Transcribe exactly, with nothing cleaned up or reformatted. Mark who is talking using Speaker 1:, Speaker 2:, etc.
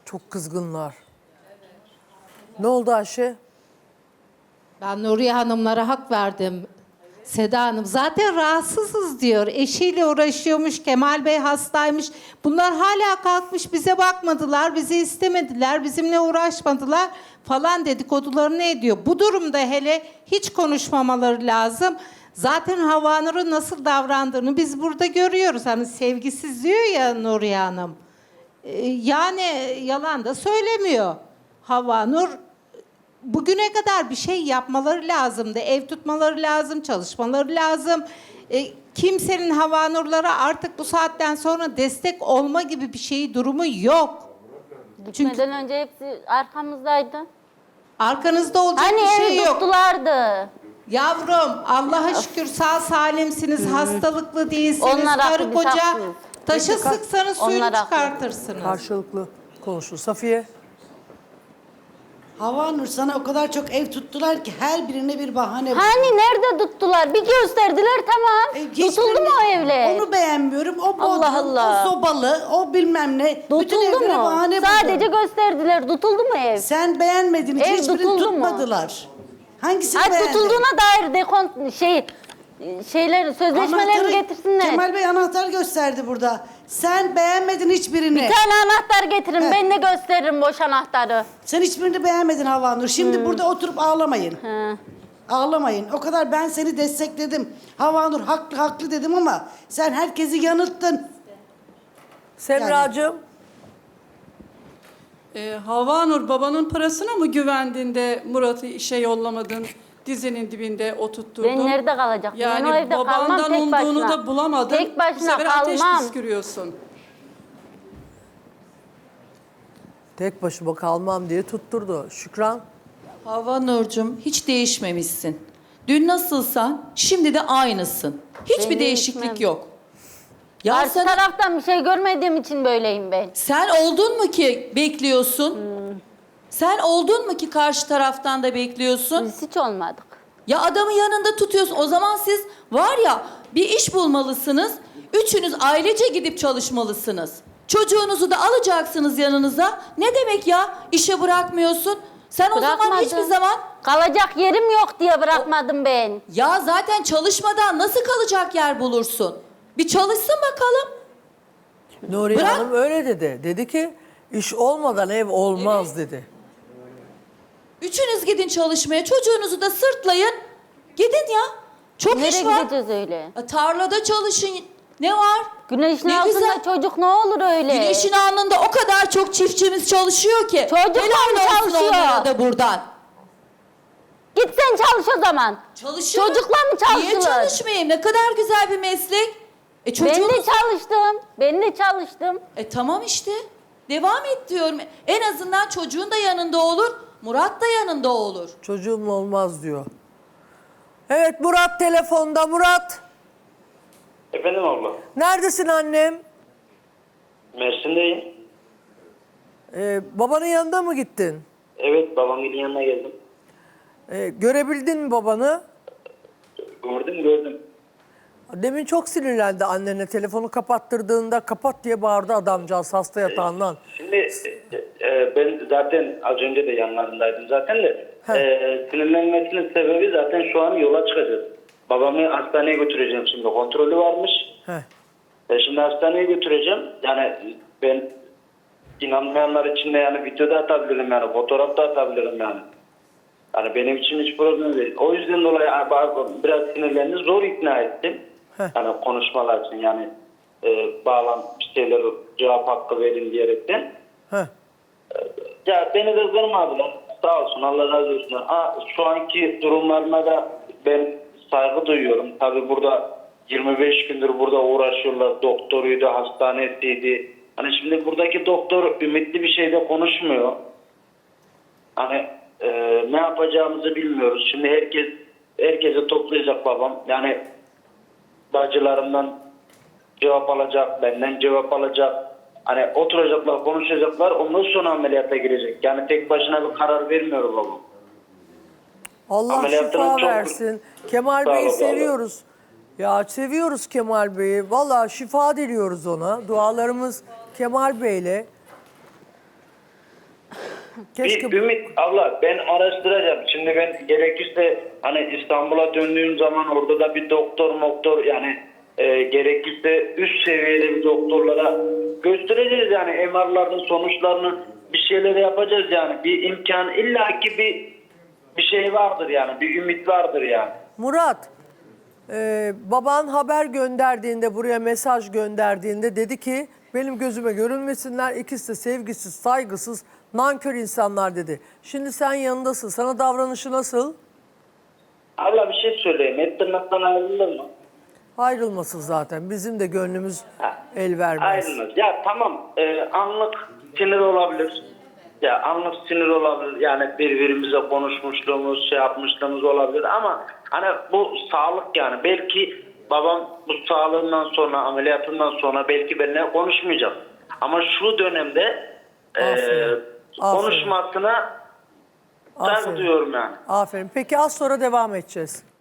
Speaker 1: Çok kızgınlar. Ne oldu Ayşe?
Speaker 2: Ben Nuriye Hanımlara hak verdim. Seda Hanım zaten rahatsızız diyor. Eşiyle uğraşıyormuş, Kemal Bey hastaymış. Bunlar hala kalkmış bize bakmadılar, bizi istemediler, bizimle uğraşmadılar falan dedikodularını ediyor. Bu durumda hele hiç konuşmamaları lazım. Zaten Havanur'un nasıl davrandığını biz burada görüyoruz. Hani sevgisiz diyor ya Nuriye Hanım. Ee, yani yalan da söylemiyor. Havanur bugüne kadar bir şey yapmaları lazımdı. Ev tutmaları lazım, çalışmaları lazım. E, kimsenin Havanurlara artık bu saatten sonra destek olma gibi bir şey durumu yok.
Speaker 3: Gitmeden
Speaker 2: Çünkü
Speaker 3: önce hepsi arkamızdaydı.
Speaker 2: arkanızda olacak
Speaker 3: Hani
Speaker 2: bir
Speaker 3: evi
Speaker 2: şey yok.
Speaker 3: tuttulardı.
Speaker 2: Yavrum Allah'a şükür sağ salimsiniz, hastalıklı değilsiniz.
Speaker 3: Onlar
Speaker 2: Karı
Speaker 3: haklı, biz
Speaker 2: koca
Speaker 3: haklıyız.
Speaker 2: taşı
Speaker 1: Peki, ka-
Speaker 2: sıksanız suyunu
Speaker 3: Onlar haklı.
Speaker 2: çıkartırsınız.
Speaker 1: Karşılıklı konuşun. Safiye?
Speaker 4: Havanur sana o kadar çok ev tuttular ki her birine bir bahane buldular.
Speaker 3: Hani nerede tuttular? Bir gösterdiler tamam.
Speaker 4: E,
Speaker 3: Tutuldu
Speaker 4: hiçbirini-
Speaker 3: mu o evler?
Speaker 4: Onu beğenmiyorum. O bodrum,
Speaker 3: Allah Allah.
Speaker 4: o sobalı, o bilmem ne. Bütün
Speaker 3: Tutuldu
Speaker 4: evlere
Speaker 3: mu?
Speaker 4: bahane
Speaker 3: Sadece
Speaker 4: buldun.
Speaker 3: gösterdiler. Tutuldu mu ev?
Speaker 4: Sen beğenmedin.
Speaker 3: Ev
Speaker 4: Hiçbirini
Speaker 3: tutuldu mu?
Speaker 4: tutmadılar. Hangisini
Speaker 3: Ay
Speaker 4: beğendin?
Speaker 3: tutulduğuna dair dekont şey şeylerin sözleşmelerini
Speaker 4: Anahtarı-
Speaker 3: getirsinler.
Speaker 4: Kemal Bey anahtar gösterdi burada. Sen beğenmedin hiçbirini.
Speaker 3: Bir tane anahtar getirin.
Speaker 4: He.
Speaker 3: Ben de gösteririm boş anahtarı.
Speaker 4: Sen hiçbirini beğenmedin Havanur. Şimdi burada oturup ağlamayın.
Speaker 3: Hı.
Speaker 4: Ağlamayın. O kadar ben seni destekledim. Havanur haklı haklı dedim ama sen herkesi yanılttın.
Speaker 1: Semracığım?
Speaker 5: Ee, Havanur babanın parasına mı güvendin de Murat'ı işe yollamadın? Dizinin dibinde oturtturdun.
Speaker 3: Ben nerede kalacak? Ben
Speaker 5: Yani
Speaker 3: o evde kalmam
Speaker 5: babandan
Speaker 3: tek
Speaker 5: umduğunu
Speaker 3: başına.
Speaker 5: da bulamadın.
Speaker 3: Tek
Speaker 5: Bu
Speaker 3: başına
Speaker 5: sefer ateş
Speaker 3: kalmam.
Speaker 5: püskürüyorsun.
Speaker 1: Tek başıma kalmam diye tutturdu. Şükran?
Speaker 6: Havanur'cum hiç değişmemişsin. Dün nasılsan şimdi de aynısın. Hiçbir
Speaker 3: Ben
Speaker 6: değişiklik
Speaker 3: değişmem.
Speaker 6: yok. Ya
Speaker 3: Karşı
Speaker 6: sen,
Speaker 3: taraftan bir şey görmediğim için böyleyim ben.
Speaker 6: sen oldun mu ki bekliyorsun?
Speaker 3: Hmm.
Speaker 6: Sen oldun mu ki karşı taraftan da bekliyorsun?
Speaker 3: Biz hiç olmadık.
Speaker 6: Ya adamı yanında tutuyorsun. O zaman siz var ya bir iş bulmalısınız. Üçünüz ailece gidip çalışmalısınız. Çocuğunuzu da alacaksınız yanınıza. Ne demek ya? İşe bırakmıyorsun. Sen o zaman
Speaker 3: Bırakmadım.
Speaker 6: hiçbir zaman...
Speaker 3: Kalacak yerim yok diye bırakmadım ben.
Speaker 6: Ya zaten çalışmadan nasıl kalacak yer bulursun? Bir çalışsın bakalım.
Speaker 1: Nuriye
Speaker 6: Bırak.
Speaker 1: Hanım öyle dedi. Dedi ki iş olmadan ev olmaz dedi.
Speaker 6: Üçünüz gidin çalışmaya, çocuğunuzu da sırtlayın. Gidin ya. Çok
Speaker 3: Nereye
Speaker 6: iş var.
Speaker 3: gideceğiz öyle?
Speaker 6: Ya tarlada çalışın. Ne var?
Speaker 3: Güneşin
Speaker 6: Ne
Speaker 3: altında
Speaker 6: güzel.
Speaker 3: çocuk ne olur öyle?
Speaker 6: Güneşin alnında o kadar çok çiftçimiz çalışıyor ki.
Speaker 3: Çocuklar
Speaker 6: Helal olsun
Speaker 3: çalışıyor.
Speaker 6: onlara da buradan.
Speaker 3: Git sen çalış o zaman.
Speaker 6: Çalışıyor.
Speaker 3: Çocuklar mı
Speaker 6: Niye
Speaker 3: çalışılır?
Speaker 6: çalışmayayım? Ne kadar güzel bir meslek. E
Speaker 3: Ben
Speaker 6: çocuğunuz...
Speaker 3: de çalıştım. Ben de çalıştım.
Speaker 6: E tamam işte. Devam et diyorum. En azından çocuğun da yanında olur. Murat da yanında olur.
Speaker 1: Çocuğum olmaz diyor. Evet Murat telefonda. Murat
Speaker 7: Efendim abla,
Speaker 1: neredesin annem?
Speaker 7: Mersin'deyim.
Speaker 1: Ee, babanın yanında mı gittin?
Speaker 7: Evet, babamın yanına geldim.
Speaker 1: Ee, görebildin mi babanı?
Speaker 7: Gördüm, gördüm.
Speaker 1: Demin çok sinirlendi annene. Telefonu kapattırdığında kapat diye bağırdı adamcağız hasta yatağından.
Speaker 7: Şimdi e, e, ben zaten az önce de yanlarındaydım zaten de.
Speaker 1: Heh.
Speaker 7: E, sinirlenmesinin sebebi zaten şu an yola çıkacağız. Babamı hastaneye götüreceğim şimdi. Kontrolü varmış.
Speaker 1: Heh.
Speaker 7: E, şimdi hastaneye götüreceğim. Yani ben inanmayanlar için de yani video da atabilirim yani. Fotoğraf da atabilirim yani. Yani benim için hiç problem değil. O yüzden dolayı biraz sinirlerini zor ikna ettim.
Speaker 1: Heh.
Speaker 7: Yani konuşmalar için yani e, bağlan bir şeyler cevap hakkı verin diyerekten.
Speaker 1: Heh.
Speaker 7: Ya beni de kırmadılar. Sağ olsun Allah razı olsun. Aa, şu anki durumlarına da ben saygı duyuyorum. Tabii burada yirmi beş gündür burada uğraşıyorlar. Doktoruydu, hastanesiydi. Hani şimdi buradaki doktor ümitli bir şeyde konuşmuyor. Hani e, ne yapacağımızı bilmiyoruz. Şimdi herkes herkese toplayacak babam. Yani bacılarımdan cevap alacak, benden cevap alacak. Hani oturacaklar, konuşacaklar. Ondan sonra ameliyata girecek. Yani tek başına bir karar vermiyor babam.
Speaker 1: Allah
Speaker 7: Ameliyatının
Speaker 1: şifa
Speaker 7: çok-
Speaker 1: versin. Kemal
Speaker 7: Sağ ol,
Speaker 1: Bey'i
Speaker 7: sağ ol.
Speaker 1: seviyoruz. Ya seviyoruz Kemal Bey'i. Vallahi şifa diliyoruz ona. Dualarımız Kemal Bey'le. Keşke
Speaker 7: Bir ümit abla, ben araştıracağım. Şimdi ben gerekirse hani İstanbul'a döndüğüm zaman orada da bir doktor moktor yani e, gerekirse üst seviyeli bir doktorlara göstereceğiz yani M R'ların sonuçlarını, bir şeyler yapacağız yani. Bir imkan illaki bir bir şey vardır yani, bir ümit vardır yani.
Speaker 1: Murat, e, baban haber gönderdiğinde, buraya mesaj gönderdiğinde dedi ki benim gözüme görünmesinler, ikisi de sevgisiz, saygısız, nankör insanlar dedi. Şimdi sen yanındasın, sana davranışı nasıl?
Speaker 7: Abla bir şey söyleyeyim, et tırnaktan ayrılır mı?
Speaker 1: Ayrılmasın zaten, bizim de gönlümüz
Speaker 7: Ha,
Speaker 1: el vermez.
Speaker 7: ayrılmaz. Ya tamam, e, anlık sinir olabilir. Ya anlık sinir olabilir. Yani birbirimize konuşmuşluğumuz, şey yapmışlığımız olabilir ama hani bu sağlık yani. Belki babam bu sağlığından sonra, ameliyatından sonra belki benimle konuşmayacak. Ama şu dönemde e,
Speaker 1: Aferin. Aferin.
Speaker 7: konuşmasına saygı
Speaker 1: Aferin.
Speaker 7: duyuyorum yani.
Speaker 1: Aferin. Peki az sonra devam edeceğiz.